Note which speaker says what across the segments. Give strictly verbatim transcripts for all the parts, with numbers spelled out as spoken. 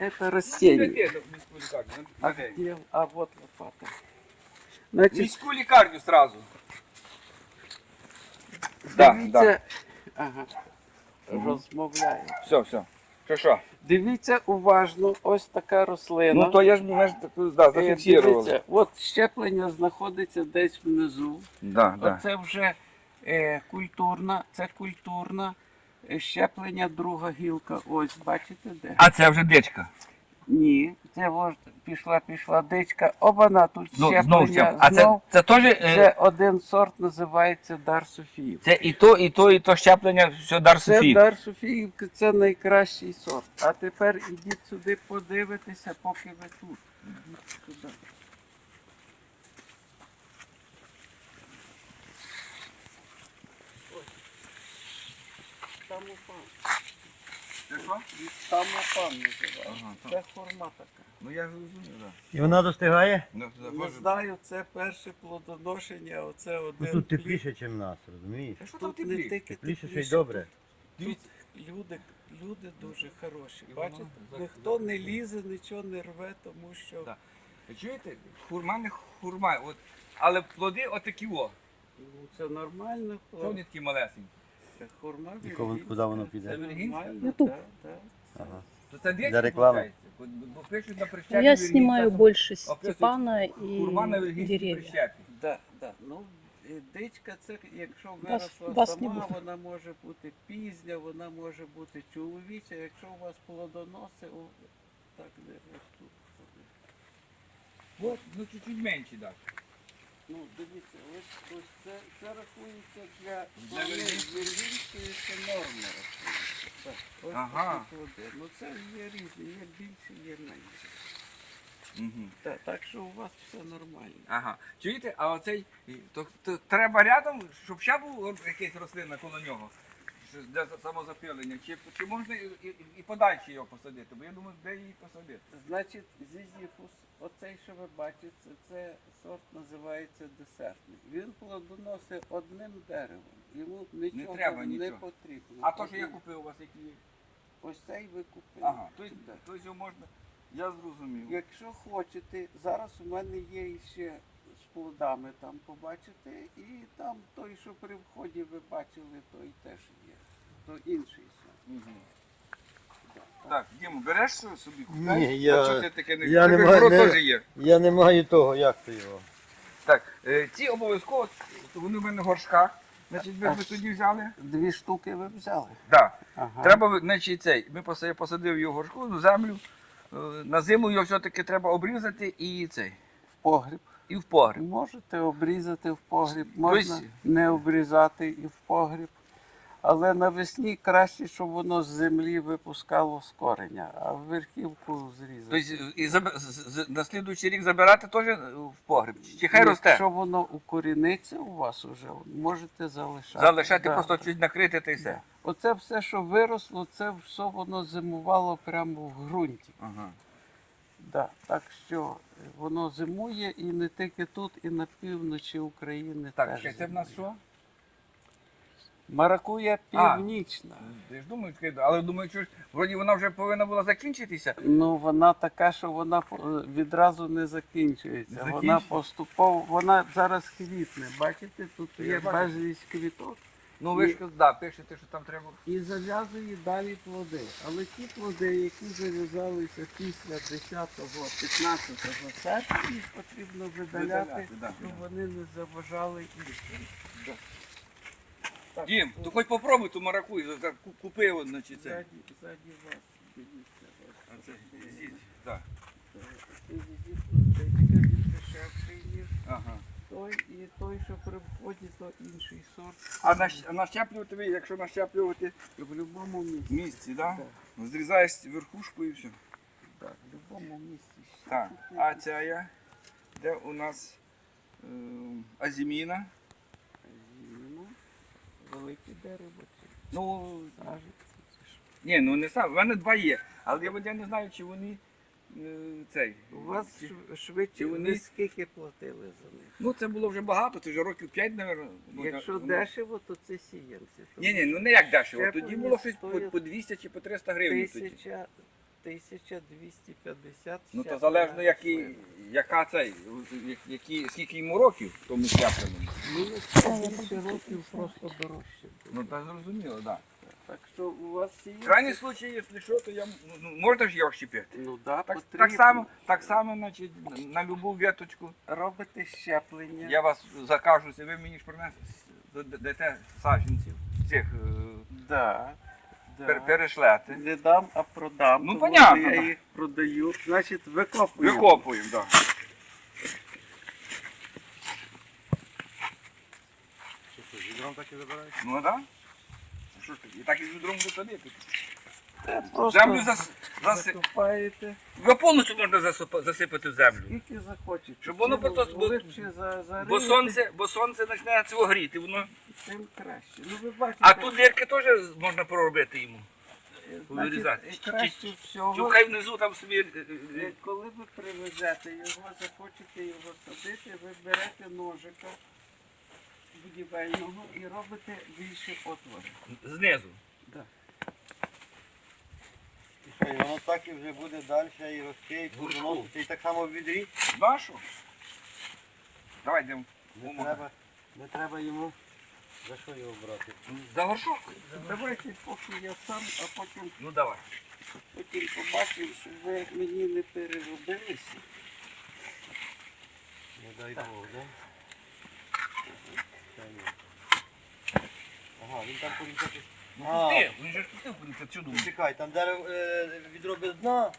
Speaker 1: это растение.
Speaker 2: Де в міську лікарню?
Speaker 1: А,
Speaker 2: На день.
Speaker 1: где? А вот лопата. Значить,
Speaker 2: Міську лікарню сразу. Да,
Speaker 1: дивіться, ага, розмовляю.
Speaker 2: Все, все. Що, що?
Speaker 1: Дивіться уважно, ось така рослина.
Speaker 2: Ну то я ж, ми ж так, да,
Speaker 1: Е,
Speaker 2: зафіксували.
Speaker 1: дивіться, от щеплення знаходиться десь внизу.
Speaker 2: Да, да.
Speaker 1: Оце вже е, культурна, це культурна, е, щеплення друга гілка. Ось, бачите де?
Speaker 2: А це вже дичка.
Speaker 1: Ні, це ось пішла, пішла дичка. Обана тут
Speaker 2: Ну,
Speaker 1: щеплення.
Speaker 2: знову щеп. А це,
Speaker 1: знов.
Speaker 2: це теж... е,
Speaker 1: Це один сорт називається Дар Софіїв.
Speaker 2: Це і то, і то, і то щеплення, все дар
Speaker 1: Це
Speaker 2: Софії.
Speaker 1: Дар Софіївки, це найкращий сорт. А тепер ідіть сюди подивитися, поки ви тут. Ідіть сюди. Там упав.
Speaker 2: Це що?
Speaker 1: Там упав називається.
Speaker 2: Ага, так.
Speaker 1: Це форма така.
Speaker 2: Ну я ж розумію, так.
Speaker 3: І вона достигає?
Speaker 2: Ну,
Speaker 1: Не знаю, це перше плодоношення, а оце
Speaker 3: Ну,
Speaker 1: один
Speaker 3: тут
Speaker 1: плід.
Speaker 3: тепліше, ніж в нас, розумієш?
Speaker 2: Що там
Speaker 1: Тут не
Speaker 2: теплі?
Speaker 1: тільки
Speaker 3: Тепліше, ще й
Speaker 1: тепліше,
Speaker 3: добре.
Speaker 1: Тут люди, люди дуже хороші.
Speaker 2: І воно
Speaker 1: Бачите,
Speaker 2: за-
Speaker 1: ніхто не лізе, нічого не рве, тому що
Speaker 2: Так. Ви чуєте? Хурма не хурма, от, але плоди отакі о.
Speaker 1: ну, це нормально.
Speaker 2: Що вони такі малесенькі?
Speaker 1: Це хурма
Speaker 3: І кого-
Speaker 1: віргінська.
Speaker 3: куди воно
Speaker 1: Це
Speaker 3: піде?
Speaker 1: нормально,
Speaker 4: Ютуб.
Speaker 1: да, да.
Speaker 3: Ага.
Speaker 2: То це дички,
Speaker 3: Для реклами.
Speaker 2: виходить? Бо, бо пишуть на
Speaker 4: Ну,
Speaker 2: прищепі.
Speaker 4: я
Speaker 2: віргінця,
Speaker 4: снимаю
Speaker 2: що
Speaker 4: больше
Speaker 2: описують
Speaker 4: Степана и
Speaker 2: Хурма на віргінській
Speaker 4: деревья.
Speaker 2: прищепі.
Speaker 1: Да, да. Ну, і дичка, це якщо
Speaker 4: Вас-
Speaker 1: виросла
Speaker 4: вас не
Speaker 1: сама,
Speaker 4: буде.
Speaker 1: вона може бути пізня, вона може бути чоловіча. Якщо у вас плодоноси, о, так де ось тут.
Speaker 2: От, ну чуть-чуть менші, так.
Speaker 1: Ну, дивіться, ось, ось це, це рахується для
Speaker 2: Для Віргінської?
Speaker 1: Віргінської, це норма рахується. Так, ось
Speaker 2: Ага.
Speaker 1: такі плоди. Ну це є різні, є більше, є менше.
Speaker 2: Угу.
Speaker 1: Так, так що у вас все нормально.
Speaker 2: Ага. Чуєте, а оцей, і- то, то треба рядом, щоб ще був якийсь рослина коло нього що для самозапилення, чи, чи можна і, і, і подальше його посадити, бо я думаю, де її посадити.
Speaker 1: Значить, зізіфус, оцей, що ви бачите, це сорт називається десертний. Він плодоносить одним деревом. Йому нічого
Speaker 2: треба
Speaker 1: не
Speaker 2: нічого.
Speaker 1: потрібно.
Speaker 2: А то, що я
Speaker 1: Один-
Speaker 2: купив у вас, які...
Speaker 1: Ось цей ви купили.
Speaker 2: Ага, тобто,
Speaker 1: Да.
Speaker 2: тобто його можна, я зрозумів.
Speaker 1: Якщо хочете, зараз у мене є ще з плодами там побачите, і там той, що при вході ви бачили, той теж є. То інший сорт.
Speaker 2: Мгм.
Speaker 1: Да.
Speaker 2: Так, Діму, береш що собі?
Speaker 3: Ні,
Speaker 2: купляєш?
Speaker 3: я-
Speaker 2: От що ти таке не
Speaker 3: я не
Speaker 2: Ти
Speaker 3: маю-
Speaker 2: город
Speaker 3: не-
Speaker 2: теж є.
Speaker 3: Я не маю того, як то його.
Speaker 2: Так, е, ці обов'язково, вони в мене в горшках. Значить, ви б тоді взяли?
Speaker 1: Дві штуки ви взяли.
Speaker 2: Так.
Speaker 1: Ага.
Speaker 2: Треба, ви- значить, цей, ми посадив, посадив його в горшку, на землю. е, На зиму його все-таки треба обрізати і цей,
Speaker 1: В погріб.
Speaker 2: і в погріб.
Speaker 1: Можете обрізати в погріб, можна
Speaker 2: Тобто-
Speaker 1: не обрізати і в погріб. Але навесні краще, щоб воно з землі випускало з кореня, а в верхівку зрізати.
Speaker 2: Тобто і заб- з- з- на слідуючий рік забирати теж в погріб? Чи хай росте?
Speaker 1: Якщо воно укоріниться у вас уже, можете залишати.
Speaker 2: Залишати,
Speaker 1: Да.
Speaker 2: просто чуть накрити та й все.
Speaker 1: Оце все, що виросло, це все воно зимувало прямо в ґрунті.
Speaker 2: Ага.
Speaker 1: Да. Так що е, воно зимує і не тільки тут, і на півночі України
Speaker 2: Так,
Speaker 1: теж.
Speaker 2: ще це в нас
Speaker 1: зимує.
Speaker 2: що?
Speaker 1: Маракуя
Speaker 2: А.
Speaker 1: північна.
Speaker 2: Я ж думаю, таке, але думаю, що ж, вроді вона вже повинна була закінчитися.
Speaker 1: Ну, вона така, що вона по- відразу не закінчується.
Speaker 2: Не
Speaker 1: Вона
Speaker 2: закінчується?
Speaker 1: поступово, вона зараз квітне. Бачите, тут
Speaker 2: Я
Speaker 1: є
Speaker 2: бачу.
Speaker 1: безліч квіток.
Speaker 2: Ну ви ж да, пишете, що там треба.
Speaker 1: І зав'язує далі плоди. Але ті плоди, які зав'язалися після десятого п'ятнадцятого серпня, їх потрібно видаляти,
Speaker 2: Видаляти, да,
Speaker 1: щоб
Speaker 2: да.
Speaker 1: вони не заважали іншим. Так,
Speaker 2: Дім,
Speaker 1: о,
Speaker 2: то хоч попробуй ту маракуй, за- ку- купи от, значить, це.
Speaker 1: ззаді, ззаді вас, дивіться.
Speaker 2: А
Speaker 1: ось
Speaker 2: це,
Speaker 1: такий,
Speaker 2: з'їдь, так.
Speaker 1: е, цей дідусь, він дешевший, ніж
Speaker 2: Ага.
Speaker 1: той, і той, що при вході, то інший сорт.
Speaker 2: А нащ- а нащеплювати ви, якщо нащеплювати
Speaker 1: В будь-якому місці.
Speaker 2: в місці, так?
Speaker 1: Так.
Speaker 2: Зрізаєш верхушку і все.
Speaker 1: Так, в будь-якому місці.
Speaker 2: Так,
Speaker 1: щепити.
Speaker 2: а ця я, де у нас е, азіміна.
Speaker 1: Зімно. Велике дерево. Це
Speaker 2: Ну,
Speaker 1: сажиться. Це ж.
Speaker 2: ні, ну не сам, в мене два є. Але я, я не знаю, чи вони е, цей.
Speaker 1: У вас
Speaker 2: чи-
Speaker 1: шв- швидше
Speaker 2: чи вони-
Speaker 1: ви скільки платили за них?
Speaker 2: Ну це було вже багато, це вже років п'ять, мабуть.
Speaker 1: Якщо дешево, то це сіянці.
Speaker 2: Ні, ні, ну не як дешево.
Speaker 1: Щеплення
Speaker 2: Тоді було щось по,
Speaker 1: стоїть
Speaker 2: по двісті чи по триста гривень. Тоді.
Speaker 1: Тисяча, тисяча двісті п'ятдесят.
Speaker 2: Ну то
Speaker 1: щеплення
Speaker 2: залежно, які,
Speaker 1: рослин.
Speaker 2: яка цей, які, скільки йому років, тому щепленому.
Speaker 1: Ну, більше років просто дорожче. буде.
Speaker 2: Ну так зрозуміло, так. Да.
Speaker 1: Так що у вас є...
Speaker 2: В крайній случай, якщо що, то я, ну, можна ж його щепити.
Speaker 1: Ну да,
Speaker 2: Так,
Speaker 1: потрібно.
Speaker 2: так само, так само, значить, на любу веточку.
Speaker 1: Робите щеплення.
Speaker 2: Я вас закажуся, ви мені ж принесете, дайте саджанців, цих е,
Speaker 1: Да, да.
Speaker 2: пер- перешлете.
Speaker 1: Не дам, а продам.
Speaker 2: Ну,
Speaker 1: тому
Speaker 2: понятно,
Speaker 1: що Я
Speaker 2: да.
Speaker 1: їх продаю. Значить, викопуємо.
Speaker 2: Викопуємо, так. Да.
Speaker 3: Відром так і забирають?
Speaker 2: Ну так. Да. Що ж таке? І так і з відром висадити.
Speaker 1: Е, Просто
Speaker 2: Землю зас... заси...
Speaker 1: закопаєте,
Speaker 2: Його повністю можна засипа- засипати в землю.
Speaker 1: скільки захочете.
Speaker 2: Щоб воно
Speaker 1: Чим
Speaker 2: просто-
Speaker 1: глибше за, за
Speaker 2: Бо сонце, бо сонце почне цього гріти, воно.
Speaker 1: тим краще. Ну, ви бачите,
Speaker 2: А тут дірки теж можна проробити йому.
Speaker 1: е,
Speaker 2: вирізати.
Speaker 1: значить, е, краще
Speaker 2: Чи
Speaker 1: всього,
Speaker 2: хай внизу там собі. е, е,
Speaker 1: е, коли ви привезете його, захочете його садити, ви берете ножика будівельного і робите більше отвори.
Speaker 2: Знизу.
Speaker 1: Да.
Speaker 3: І що, і воно так і вже буде далі і росте, і
Speaker 2: Горшку.
Speaker 3: плодоносити, і так само в відрі.
Speaker 2: Нашу? Давай йдемо.
Speaker 3: Не треба, не треба йому за що його брати.
Speaker 2: За горшок?
Speaker 1: Давайте поки я сам, а потім,
Speaker 2: Ну давай.
Speaker 1: потім побачимо, щоб ви мені не переробилися.
Speaker 3: Не дай Бог, да? Та ні. Ага, він там порізати.
Speaker 2: Ну
Speaker 3: А.
Speaker 2: пусти, він же ж пустив кудись цю думку.
Speaker 3: Чекай, там дерево е, відро без дна.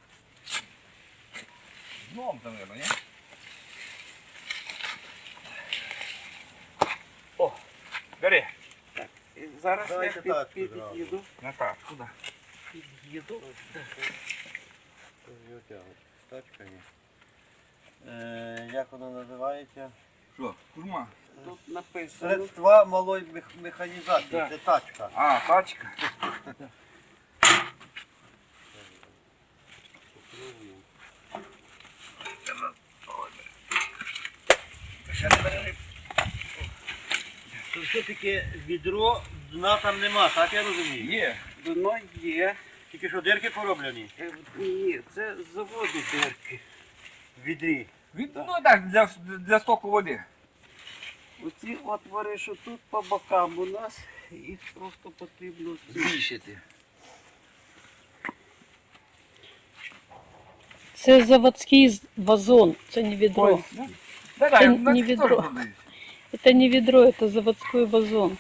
Speaker 2: Дном, наверное, ні? О, бери.
Speaker 1: І зараз
Speaker 3: Давайте
Speaker 1: я під,
Speaker 3: тачку
Speaker 1: під'їду.
Speaker 2: На так, куди?
Speaker 1: Під'їду.
Speaker 3: Його тягнуть. Тачка ні. Е, як воно називається?
Speaker 2: Що, курма?
Speaker 1: Тут написано.
Speaker 3: Средства малої мех- механізації.
Speaker 1: Да.
Speaker 3: Це тачка.
Speaker 2: А, тачка. Ще не бери.
Speaker 3: Це все-таки відро, дна там нема, так я розумію?
Speaker 2: Є.
Speaker 1: Дно є.
Speaker 3: Тільки що дирки пороблені
Speaker 1: Е, Ні, це з заводу дирки.
Speaker 3: в відрі.
Speaker 2: Від, ну так, для, для стоку води.
Speaker 1: Оці отвори, що тут по бокам у нас, їх просто потрібно
Speaker 2: Збільшити.
Speaker 4: Це заводський з- вазон, це не відро.
Speaker 2: Ой, ну, да, да,
Speaker 4: Це
Speaker 2: я-
Speaker 4: не
Speaker 2: на це
Speaker 4: відро.
Speaker 2: теж продають.
Speaker 4: Это не ведро, это заводской вазон.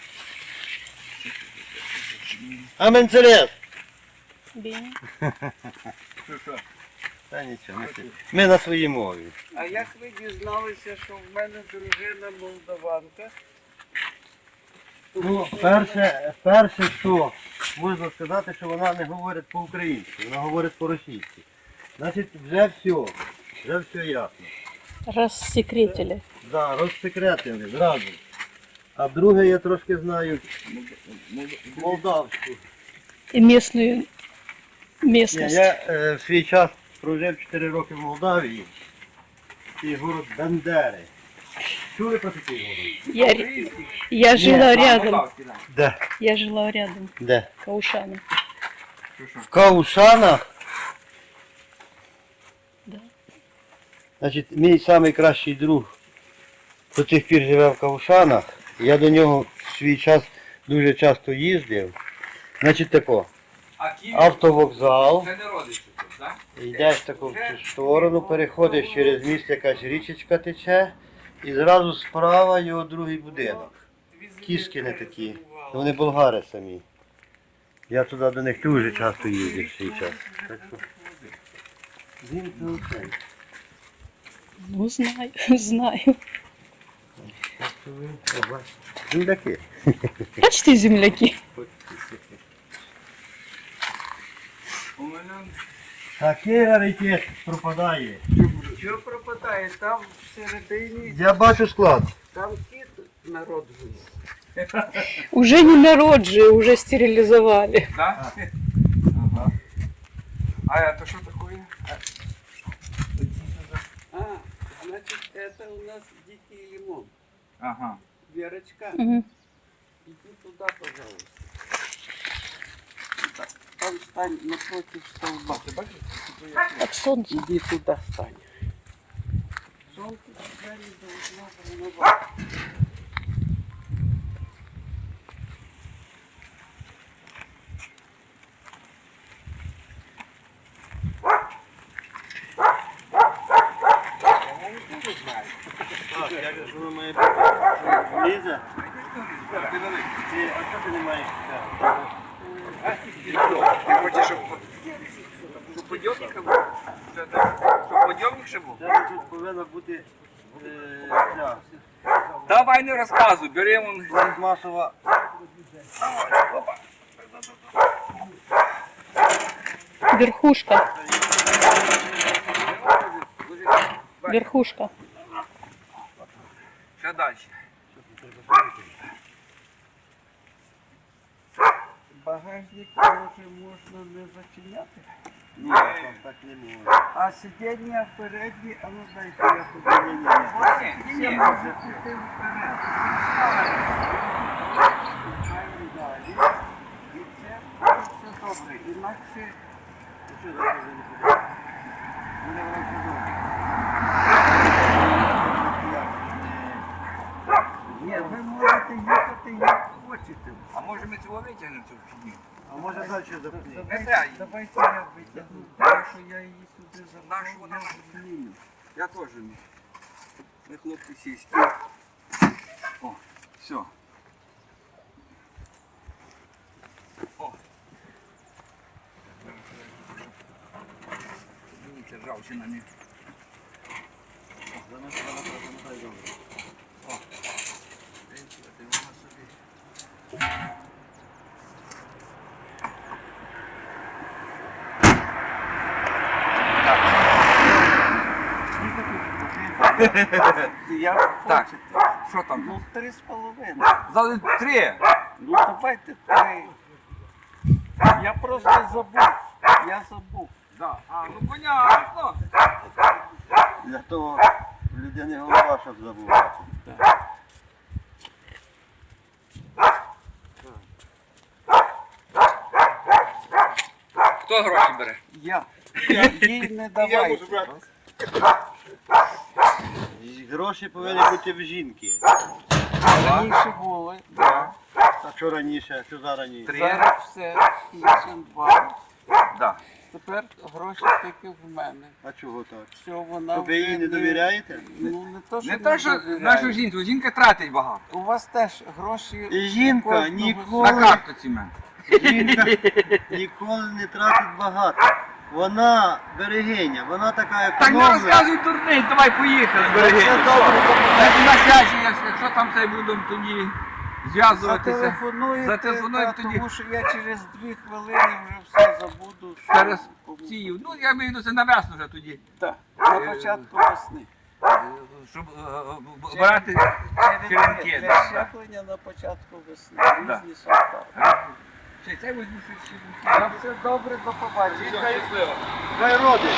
Speaker 3: Аменцерес!
Speaker 4: Беня.
Speaker 2: Що, що?
Speaker 3: Та нічого, ми, ми на своїй мові.
Speaker 1: А як ви дізналися, що в мене дружина молдаванка?
Speaker 3: Ну, перше, перше, що можна сказати, що вона не говорить по-українськи, вона говорить по-російськи. Значить, вже все, вже все ясно.
Speaker 4: Рассекретили.
Speaker 3: Да, розсекретили зразу. А друге я трошки знаю молдавську.
Speaker 4: И местную
Speaker 3: Ні,
Speaker 4: местность.
Speaker 3: я е, в свій час прожив чотири роки в Молдавії. І город Бендери. Чули про такий город?
Speaker 4: Я, ре- я жила
Speaker 2: А,
Speaker 4: рядом.
Speaker 2: Молдавський, да.
Speaker 3: Де?
Speaker 4: Я жила рядом.
Speaker 3: Де?
Speaker 4: Каушана.
Speaker 2: Що, що?
Speaker 3: В Каушанах.
Speaker 4: Да.
Speaker 3: Значить, мій найкращий друг до тих пір живе в Каушанах. Я до нього в свій час дуже часто їздив. Значить тако,
Speaker 2: А Київ
Speaker 3: автовокзал,
Speaker 2: це не родичі тут, так?
Speaker 3: йдеш таку в цю сторону, переходиш через міст, якась річечка тече, і зразу справа його другий будинок. Кіски не такі, вони болгари самі. Я туди до них дуже часто їздив в свій час. Так що, він це оце.
Speaker 4: Ну, знаю, знаю.
Speaker 3: Так що ви, о, бачите, земляки.
Speaker 4: Почти земляки.
Speaker 2: У мене
Speaker 3: Такий раритет пропадає.
Speaker 1: Що пропадає? Там всередині,
Speaker 3: Я бачу склад.
Speaker 1: там кіт народжує.
Speaker 4: Уже не народжи, уже стерилизовали.
Speaker 2: Да? Ага. А это что такое?
Speaker 1: А, значит, это у нас дикий лимон.
Speaker 2: Ага.
Speaker 1: Верочка,
Speaker 4: Мгм.
Speaker 1: иди туда, пожалуйста. там стань напроти стовба.
Speaker 2: Ти бачиш?
Speaker 4: Так сонце.
Speaker 1: Іди туди стань. Сонце двері должно промивати.
Speaker 3: Так, як ж воно має бути? Лізе?
Speaker 2: Ти великий.
Speaker 3: Ти, а що ти не маєш?
Speaker 2: Ти хочеш, щоб щоб подйомник ще був? Що так? Щоб подйомник ще був?
Speaker 3: Це тут повинна бути е, ця
Speaker 2: Давай не розказуй, беремо.
Speaker 3: пластмасова.
Speaker 4: Верхушка. Верхушка.
Speaker 2: Ще далі.
Speaker 1: Багажник може можна не зачиняти.
Speaker 3: Ні, там так не можна.
Speaker 1: А сидіння передні, а ну дайте я туди.
Speaker 2: Ні, ні, ні.
Speaker 1: Це може піти вперед. Маємо далі. І це все добре. Інакше
Speaker 3: Що за це не буде? Мене воно подобається.
Speaker 1: ні, ви можете їхати як хочете.
Speaker 2: А може ми цього витягнемо цю фігню?
Speaker 3: А може далі запни?
Speaker 2: Не треба її.
Speaker 1: Давайте я витягну, тому що я її сюди
Speaker 2: Нашу
Speaker 1: забрав.
Speaker 2: вона
Speaker 1: я зміню.
Speaker 2: Я теж не. Ми хлопці сільські. О, все. О. Дивіться, ржавчина не.
Speaker 3: Замети, вона замотай добре.
Speaker 2: О. Дивіться, ти вона собі.
Speaker 1: Я
Speaker 2: Так.
Speaker 1: хочете.
Speaker 2: Що там?
Speaker 1: Ну, три з половиною.
Speaker 2: Зали три.
Speaker 1: Ну, давайте три. Я просто забув. Я забув.
Speaker 2: Да. А, ну понятно.
Speaker 3: Для того в людини голова, щоб забувати.
Speaker 2: Хто гроші бере?
Speaker 1: Я. Їй не давайте.
Speaker 3: І гроші повинні бути в жінки.
Speaker 1: Раніше були. Да.
Speaker 3: А що раніше, що зараз ні?
Speaker 2: Три.
Speaker 1: Зараз все. Іншим два.
Speaker 2: Да.
Speaker 1: Тепер гроші тільки в мене.
Speaker 3: А чого так?
Speaker 1: Що вона
Speaker 3: То ви їй
Speaker 1: вже
Speaker 3: не довіряєте?
Speaker 1: Ну, не то, що
Speaker 2: Не те, що
Speaker 1: довіряю.
Speaker 2: нашу жінку, жінка тратить багато.
Speaker 1: У вас теж гроші.
Speaker 3: І жінка
Speaker 1: кожного
Speaker 3: ніколи-
Speaker 2: На картоці в мене.
Speaker 3: Жінка ніколи не тратить багато. Вона берегиня, вона така
Speaker 2: Так не
Speaker 3: економна.
Speaker 2: розказуй дурниць, давай поїхали, береги.
Speaker 3: Все добре,
Speaker 2: На связі, якщо там це будемо тоді зв'язуватися.
Speaker 1: Зателефонуєте,
Speaker 2: Зателефонуємо
Speaker 1: та,
Speaker 2: тоді.
Speaker 1: тому що я через дві хвилини вже все забуду. що
Speaker 2: Через
Speaker 1: кому.
Speaker 2: ці, ну я маю до це на весну вже тоді.
Speaker 1: Так, на початку весни.
Speaker 2: Е, Щоб е, е, брати черенки.
Speaker 1: Для
Speaker 2: да.
Speaker 1: щеплення на початку весни.
Speaker 2: Да.
Speaker 1: Різні сорта.
Speaker 2: Ще це візьму ще.
Speaker 1: На все добре, до побачення.
Speaker 2: Щасливо.
Speaker 3: хай родить.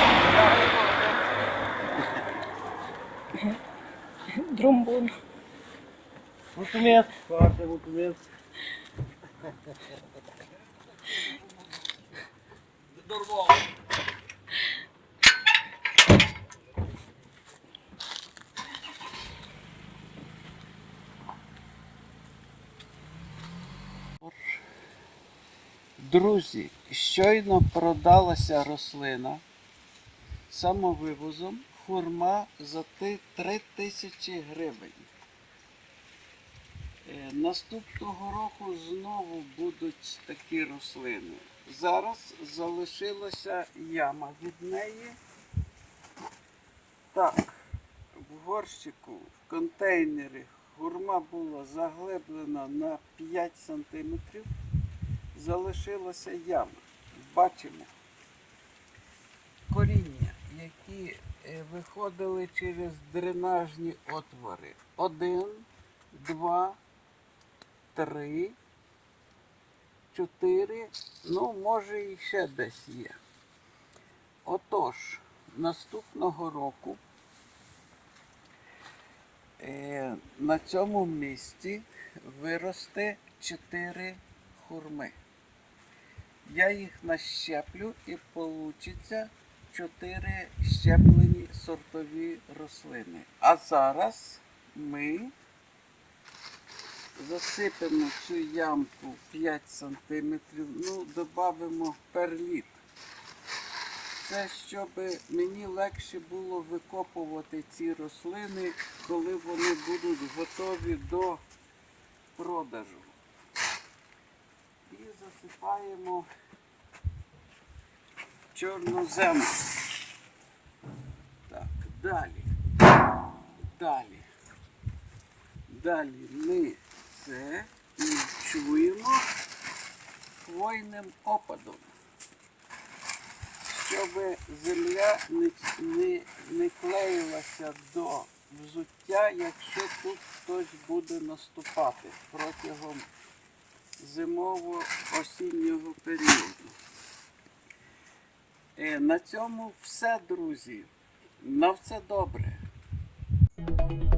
Speaker 4: Тромбон.
Speaker 3: Мутумець, фарте, мутумець.
Speaker 2: Дорвав.
Speaker 1: Друзі, щойно продалася рослина самовивозом хурма за ти- три тисячі гривень. Е, Наступного року знову будуть такі рослини. Зараз залишилася яма від неї. Так, в горщику, в контейнері хурма була заглиблена на п'ять сантиметрів. Залишилася яма. Бачимо коріння, які е, виходили через дренажні отвори. Один, два, три, чотири, ну, може, і ще десь є. Отож, наступного року е, на цьому місці виросте чотири хурми. я їх нащеплю і вийде чотири щеплені сортові рослини. А зараз ми засипемо цю ямку п'ять сантиметрів, ну, додамо перліт. Це щоб мені легше було викопувати ці рослини, коли вони будуть готові до продажу. І засипаємо чорнозем. Так, далі. Далі. Далі ми це чуємо хвойним опадом, щоб земля не, не, не клеїлася до взуття, якщо тут хтось буде наступати протягом зимово-осіннього періоду. Е, на цьому все, друзі. На все добре.